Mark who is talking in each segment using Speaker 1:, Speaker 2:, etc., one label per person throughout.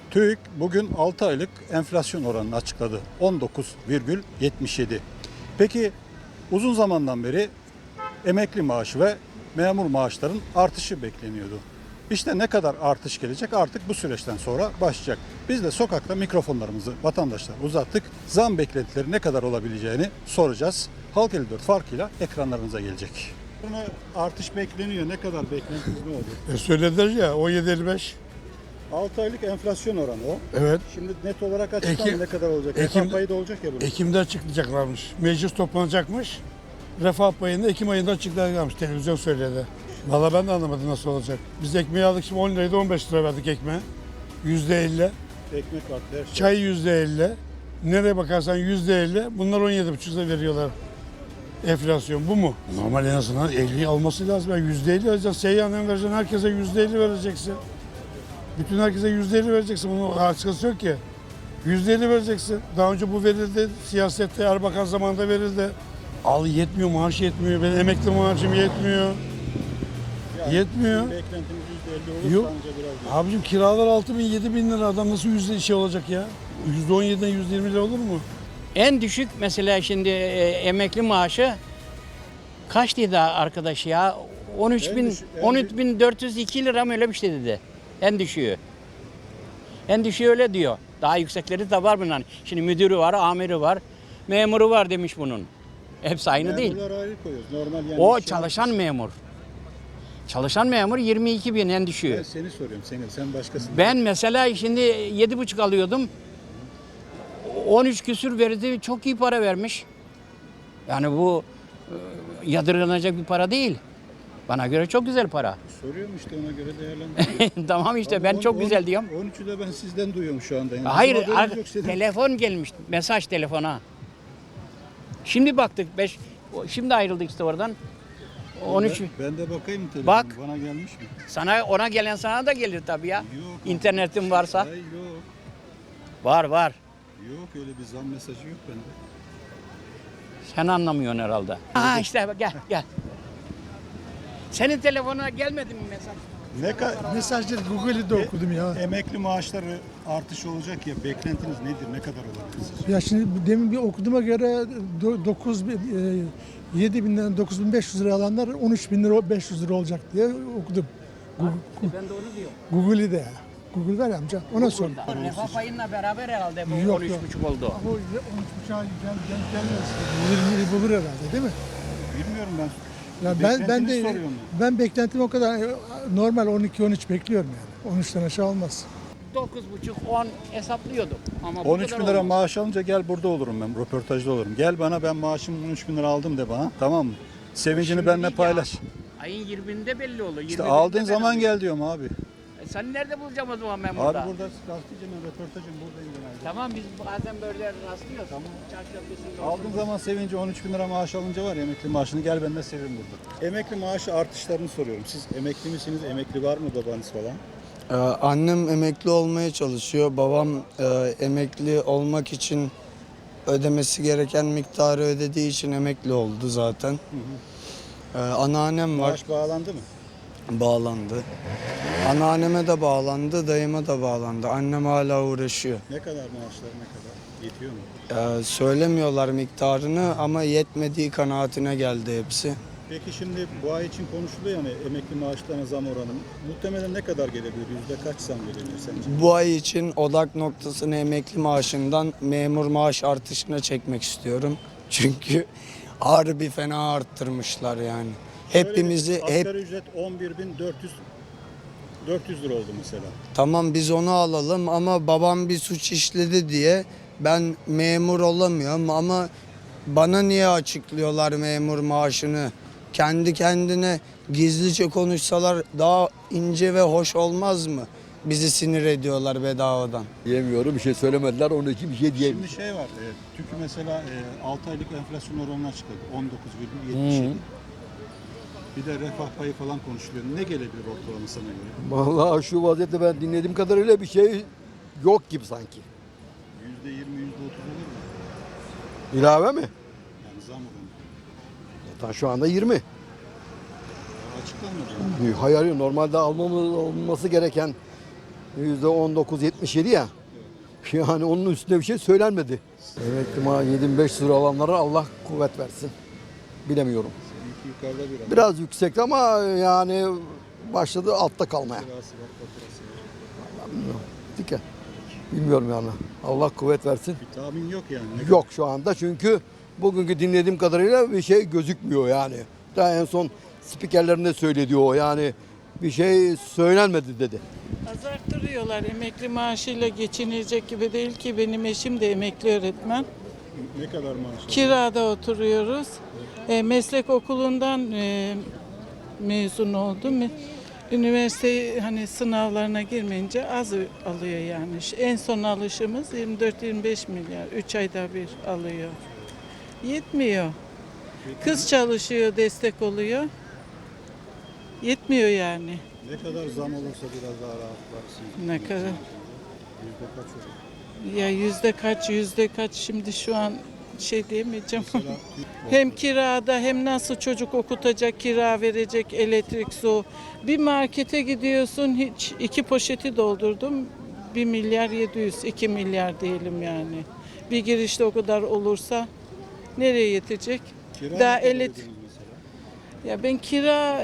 Speaker 1: TÜİK bugün 6 aylık enflasyon oranını açıkladı. 19,77. Peki uzun zamandan beri emekli maaşı ve memur maaşların artışı bekleniyordu. İşte ne kadar artış gelecek artık bu süreçten sonra başlayacak. Biz de sokakta mikrofonlarımızı vatandaşlara uzattık. Zam beklentileri ne kadar olabileceğini soracağız. Halk 54 farkıyla ekranlarınıza gelecek. Artış bekleniyor. Ne kadar beklentiniz ne olur?
Speaker 2: Söylediler ya 17.55.
Speaker 1: 6 aylık enflasyon oranı o.
Speaker 2: Evet.
Speaker 1: Şimdi net olarak açıklandı ne kadar olacak?
Speaker 2: Ekim-
Speaker 1: Refah payı da olacak ya bunun.
Speaker 2: Ekim'de açıklayacaklarmış. Meclis toplanacakmış. Refah payını Ekim ayında açıklayacaklarmış. Televizyon söyledi. Valla ben de anlamadım nasıl olacak. Biz ekmeği aldık şimdi 10 liraydı 15 lira verdik ekmeğe. %50.
Speaker 1: Ekmek var, her şey.
Speaker 2: Çay %50. Nereye bakarsan %50. Bunlar 17,5 lira veriyorlar. Enflasyon bu mu? Normal en azından 50 alması lazım. Yani %50 alacaksın. Seyyanen vereceksin. Herkese %50 vereceksin. Bütün herkese %50 vereceksin. Bunun açıkçası yok ki. %50 vereceksin. Daha önce bu verildi. Siyasette Erbakan zamanında verildi. Al yetmiyor, maaş yetmiyor. Benim emekli maaşım yetmiyor.
Speaker 1: Yani
Speaker 2: Yetmiyor.
Speaker 1: sizin beklentiniz %50 olur
Speaker 2: Yok.
Speaker 1: bence biraz.
Speaker 2: Abicim kiralar 6 bin, 7 bin lira. Adam nasıl yüzde olacak ya? %17'den %20 lira olur mu?
Speaker 3: En düşük mesela şimdi emekli maaşı kaç dedi arkadaş ya? 13.402 lira mı öyle bir şey dedi. En düşüğü. En düşüğü öyle diyor. Daha yüksekleri de var bunların. Şimdi müdürü var, amiri var, memuru var demiş bunun. Hepsi aynı değil.
Speaker 1: Memurlar ayrı koyuyoruz. Normal yani.
Speaker 3: O çalışan memur. Çalışan memur 22 bin en düşüğü.
Speaker 1: Ben seni soruyorum seni. Sen başkasın.
Speaker 3: Ben mesela şimdi 7,5 alıyordum. 13 küsür verdi, çok iyi para vermiş. Yani bu yadırganacak bir para değil. Bana göre çok güzel para.
Speaker 1: Soruyorum işte ona göre değerlendiriyorum.
Speaker 3: Tamam işte ben çok güzel diyorum.
Speaker 1: 13'ü de ben sizden duyuyorum şu anda. Yani
Speaker 3: Hayır,
Speaker 1: bizim haberimiz yok senin.
Speaker 3: telefon gelmiş, mesaj telefona. Şimdi baktık, şimdi ayrıldık işte oradan. 13,
Speaker 1: Ben de bakayım telefonu.
Speaker 3: Bak.
Speaker 1: Bana gelmiş mi?
Speaker 3: ona gelen sana da gelir tabii ya.
Speaker 1: Yok.
Speaker 3: İnternetin varsa.
Speaker 1: Hayır yok.
Speaker 3: Var.
Speaker 1: Yok öyle bir zam mesajı yok bende.
Speaker 3: Sen anlamıyorsun herhalde. İşte gel. Senin telefonuna gelmedi mi mesaj?
Speaker 2: Mesajları Google'de okudum ya.
Speaker 1: Emekli maaşları artış olacak ya beklentiniz nedir? Ne kadar olabilir sizce?
Speaker 4: Ya şimdi demin bir okuduğuma göre 7 binden 9.500 lira alanlar 13 bin lira 500 lira olacak diye okudum.
Speaker 3: Ben de onu diyorum.
Speaker 4: Google'de. Google var ya amca ona sor.
Speaker 3: Refah payınla beraber herhalde bu
Speaker 4: Yok,
Speaker 3: 13,5 oldu.
Speaker 4: O 13.5'a gelmez. 20'yi bulur herhalde değil mi?
Speaker 1: Bilmiyorum ben.
Speaker 4: Ya ben
Speaker 1: Beklentinizi
Speaker 4: de
Speaker 1: soruyorum
Speaker 4: ben beklentim o kadar normal 12-13 bekliyorum yani. 13'ten aşağı olmaz.
Speaker 3: 9,5-10 hesaplıyordum. Ama bu
Speaker 1: 13
Speaker 3: kadar
Speaker 1: bin lira
Speaker 3: olmaz.
Speaker 1: maaş alınca gel burada olurum ben, röportajda olurum. Gel bana ben maaşımı 13 bin lira aldım de bana, tamam mı? Sevincini
Speaker 3: Şimdi
Speaker 1: benimle
Speaker 3: değil ya.
Speaker 1: paylaş.
Speaker 3: Ayın 20'inde belli olur.
Speaker 1: İşte
Speaker 3: 21'inde
Speaker 1: aldığın
Speaker 3: ben
Speaker 1: zaman
Speaker 3: alıyorum.
Speaker 1: gel diyorum abi.
Speaker 3: Sen nerede bulacağım o zaman ben
Speaker 1: Abi
Speaker 3: burada?
Speaker 1: burada gazeteciyim ben, röportajım buradayım genelde.
Speaker 3: Tamam biz bazen böyle rastlıyoruz. Tamam. Çarşafı
Speaker 1: Aldığın zaman sevinci 13 bin lira maaş alınca var ya emekli maaşını gel benden sevin burada. Emekli maaşı artışlarını soruyorum. Siz emekli misiniz? Emekli var mı babanız falan?
Speaker 5: Annem emekli olmaya çalışıyor. Babam emekli olmak için ödemesi gereken miktarı ödediği için emekli oldu zaten. Anneannem var,
Speaker 1: Maaş bağlandı mı?
Speaker 5: bağlandı. Anneanneme de bağlandı, dayıma da bağlandı. Annem hala uğraşıyor.
Speaker 1: Ne kadar maaşlar ne kadar? Yetiyor mu?
Speaker 5: Söylemiyorlar miktarını ama yetmediği kanaatine geldi hepsi.
Speaker 1: Peki şimdi bu ay için konuşuluyor yani emekli maaşlarına zam oranı. Muhtemelen ne kadar gelebilir? Yüzde kaç zam gelebilir sence?
Speaker 5: Bu ay için odak noktasını emekli maaşından memur maaş artışına çekmek istiyorum. Çünkü harbi fena arttırmışlar yani. Hepimizi
Speaker 1: Asgari ücret 11.400 lira oldu mesela.
Speaker 5: tamam biz onu alalım ama babam bir suç işledi diye ben memur olamıyorum ama bana niye açıklıyorlar memur maaşını? Kendi kendine gizlice konuşsalar daha ince ve hoş olmaz mı? Bizi sinir ediyorlar bedavadan.
Speaker 6: Diyemiyorum, bir şey söylemediler, onun için bir şey diyemiyorum.
Speaker 1: Şimdi şey var, TÜİK mesela 6 aylık enflasyon oranını açıkladı. 19,77. Bir de refah payı falan konuşuluyor. Ne gelebilir ortalama sana göre?
Speaker 6: Vallahi şu vaziyette ben dinlediğim kadarıyla bir şey yok gibi sanki.
Speaker 1: %20, %30 olur mu?
Speaker 6: İlave mi?
Speaker 1: Yani zam oranı.
Speaker 6: Zaten şu anda 20.
Speaker 1: Açıklanmadı.
Speaker 6: Hayır, normalde almamız olması gereken %19,77 ya. Yani onun üstünde bir şey söylenmedi. Emekli maaşı 7.500 lira alanlara Allah kuvvet versin. Bilemiyorum.
Speaker 1: Yukarıda biraz.
Speaker 6: Biraz yüksek ama yani başladı altta kalmaya. Dike. Bilmiyorum yani. Allah kuvvet versin.
Speaker 1: Bir tahmin yok yani. Ne
Speaker 6: Yok şu anda çünkü bugünkü dinlediğim kadarıyla bir şey gözükmüyor yani. Daha en son spikerlerinde söyledi o yani bir şey söylenmedi dedi.
Speaker 7: Az arttırıyorlar. Emekli maaşıyla geçinilecek gibi değil ki. Benim eşim de emekli öğretmen.
Speaker 1: Ne kadar maaş?
Speaker 7: Kirada oturuyoruz. Meslek okulundan mezun oldum. Üniversite hani sınavlarına girmeyince az alıyor yani. En son alışımız 24-25 milyar. 3 ayda bir alıyor. Yetmiyor. Kız çalışıyor, destek oluyor. Yetmiyor yani.
Speaker 1: Ne kadar zam olursa biraz daha rahatlarsın.
Speaker 7: Ne kadar?
Speaker 1: Yüzde kaç olur?
Speaker 7: Ya yüzde kaç şimdi şu an şey diyemeyeceğim.
Speaker 1: Mesela
Speaker 7: Hem kirada hem nasıl çocuk okutacak, kira verecek, elektrik, su. Bir markete gidiyorsun hiç 2 poşeti doldurdum. 1 milyar 700, 2 milyar diyelim yani. Bir girişte o kadar olursa nereye yetecek?
Speaker 1: kira
Speaker 7: Daha
Speaker 1: ne kadar
Speaker 7: elit.
Speaker 1: ödediniz mesela?
Speaker 7: Ya ben kira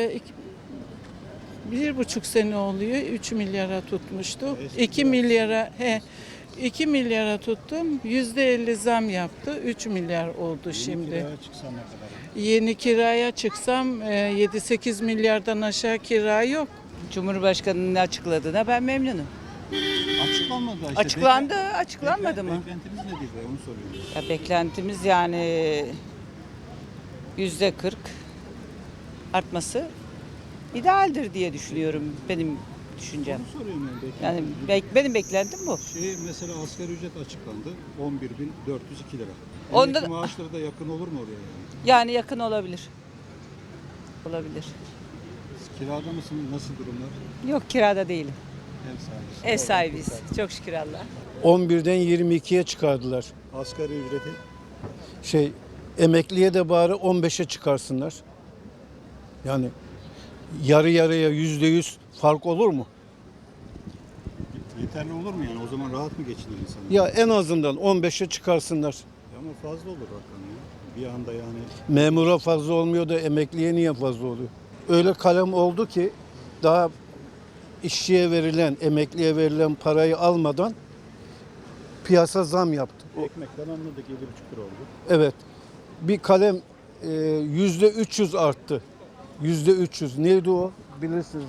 Speaker 7: 1,5 sene oluyor. 3 milyara tutmuştu.
Speaker 1: Eski
Speaker 7: 2
Speaker 1: kira.
Speaker 7: milyara 2 milyara tuttum. %50 zam yaptı. 3 milyar oldu şimdi.
Speaker 1: Kiraya çıksan ne kadar?
Speaker 7: Yeni kiraya çıksam 7-8 milyardan aşağı kira yok.
Speaker 8: Cumhurbaşkanının açıkladığına ben memnunum.
Speaker 1: Açıklanmadı işte.
Speaker 8: Açıklandı, açıklanmadı mı?
Speaker 1: Beklentiniz nedir be onu soruyorum.
Speaker 8: Ya beklentimiz yani %40 artması idealdir diye düşünüyorum benim düşüncem.
Speaker 1: Onu soruyorum yani.
Speaker 8: Yani benim beklentim bu.
Speaker 1: Mesela asgari ücret açıklandı. 11.402 lira.
Speaker 8: Onda
Speaker 1: Emekli
Speaker 8: da-
Speaker 1: maaşları da yakın olur mu oraya yani?
Speaker 8: Yani yakın olabilir. Olabilir.
Speaker 1: Siz kirada mısınız? Nasıl durumlar?
Speaker 8: Yok kirada değilim.
Speaker 1: Ev sahibi.
Speaker 8: Ev sahibiyiz. Çok şükür Allah.
Speaker 2: 11'den 22'ye çıkardılar.
Speaker 1: Asgari ücreti
Speaker 2: Emekliye de bari 15'e çıkarsınlar. Yani yarı yarıya %100 fark olur mu?
Speaker 1: yeterli olur mu yani? O zaman rahat mı geçinir insanlar?
Speaker 2: Ya en azından 15'e çıkarsınlar.
Speaker 1: Ama fazla olur rakam ya. Bir anda yani
Speaker 2: Memura fazla olmuyor da emekliye niye fazla oluyor? Öyle kalem oldu ki daha işçiye verilen, emekliye verilen parayı almadan piyasa zam yaptı.
Speaker 1: ekmekten anladık 7,5 lira oldu.
Speaker 2: Evet. Bir kalem %300 arttı. %300. Neydi o? Bilirsiniz.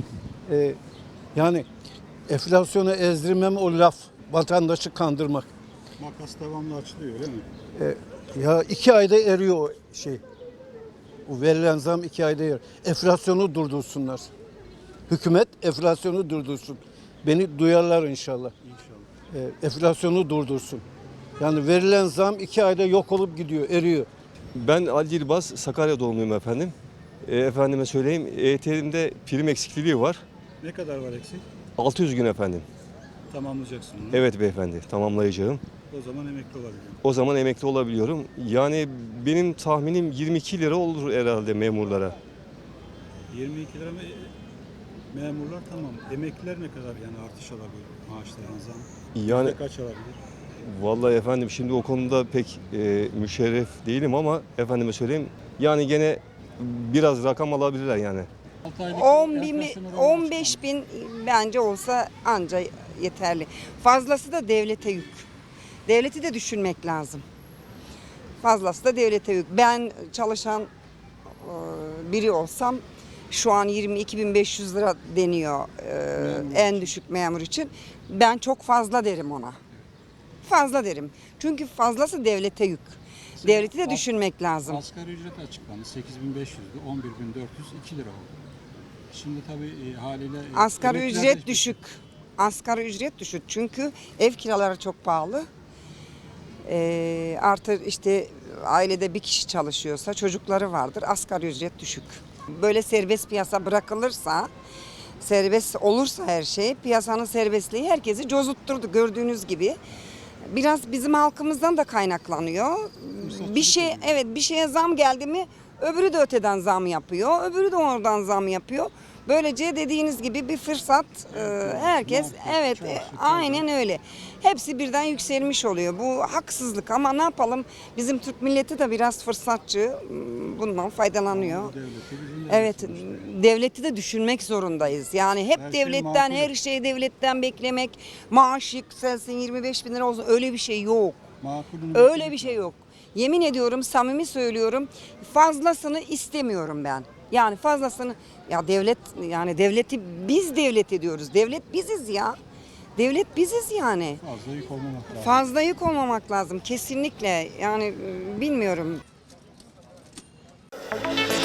Speaker 2: Yani enflasyonu ezdirmem o laf. Vatandaşı kandırmak.
Speaker 1: Makas devamlı açılıyor öyle mi?
Speaker 2: Ya 2 ayda eriyor o şey. O verilen zam 2 ayda eriyor. Enflasyonu durdursunlar. Hükümet enflasyonu durdursun. Beni duyarlar inşallah.
Speaker 1: İnşallah.
Speaker 2: Enflasyonu durdursun. Yani verilen zam 2 ayda yok olup gidiyor, eriyor.
Speaker 9: Ben Ali Yılmaz, Sakarya doğumluyum efendim. Efendime söyleyeyim, EYT'limde prim eksikliği var.
Speaker 1: Ne kadar var eksik?
Speaker 9: 600 gün efendim.
Speaker 1: Tamamlayacaksın onu.
Speaker 9: Evet beyefendi, tamamlayacağım.
Speaker 1: O zaman emekli olabilirim.
Speaker 9: O zaman emekli olabiliyorum. Yani benim tahminim 22 lira olur herhalde memurlara.
Speaker 1: 22 lira mı? Memurlar tamam. Emekliler ne kadar yani artış alabilir maaşlarına zam?
Speaker 9: Yani
Speaker 1: Ne kaç alabilir?
Speaker 9: vallahi efendim şimdi o konuda pek müşerref değilim ama efendime söyleyeyim. Yani gene biraz rakam alabilirler yani.
Speaker 10: 15 bin bence olsa anca yeterli. Fazlası da devlete yük. Devleti de düşünmek lazım. Fazlası da devlete yük. Ben çalışan biri olsam şu an 22.500 lira deniyor en düşük memur için. Ben çok fazla derim ona. Fazla derim. Çünkü fazlası devlete yük. Devleti de düşünmek lazım.
Speaker 1: Asgari ücret açıklandı. 8.500'dü. 11.402 lira oldu. Şimdi tabii haliyle
Speaker 10: Asgari
Speaker 1: emekliler
Speaker 10: ücret
Speaker 1: de-
Speaker 10: düşük. Asgari ücret düşük çünkü ev kiraları çok pahalı. Artı işte ailede bir kişi çalışıyorsa çocukları vardır. Asgari ücret düşük. Böyle serbest piyasa bırakılırsa, serbest olursa her şey, piyasanın serbestliği herkesi cozutturdu gördüğünüz gibi. Biraz bizim halkımızdan da kaynaklanıyor. Bir şeye zam geldi mi öbürü de öteden zam yapıyor. Öbürü de oradan zam yapıyor. Böylece dediğiniz gibi bir fırsat herkes evet aynen öyle. Hepsi birden yükselmiş oluyor. Bu haksızlık ama ne yapalım? Bizim Türk milleti de biraz fırsatçı. Bundan faydalanıyor. Evet, devleti de düşünmek zorundayız. Yani hep
Speaker 1: Her şey
Speaker 10: devletten,
Speaker 1: makul.
Speaker 10: her şeyi devletten beklemek, maaş yükselsin 25 bin lira olsun öyle bir şey yok.
Speaker 1: Makulün
Speaker 10: Öyle bir şey yok. Yemin ediyorum, samimi söylüyorum, fazlasını istemiyorum ben. Yani fazlasını, ya devlet, yani devleti biz devlet ediyoruz. Devlet biziz ya. Devlet biziz yani.
Speaker 1: fazla yük olmamak lazım.
Speaker 10: Fazla yük olmamak lazım kesinlikle. Yani bilmiyorum.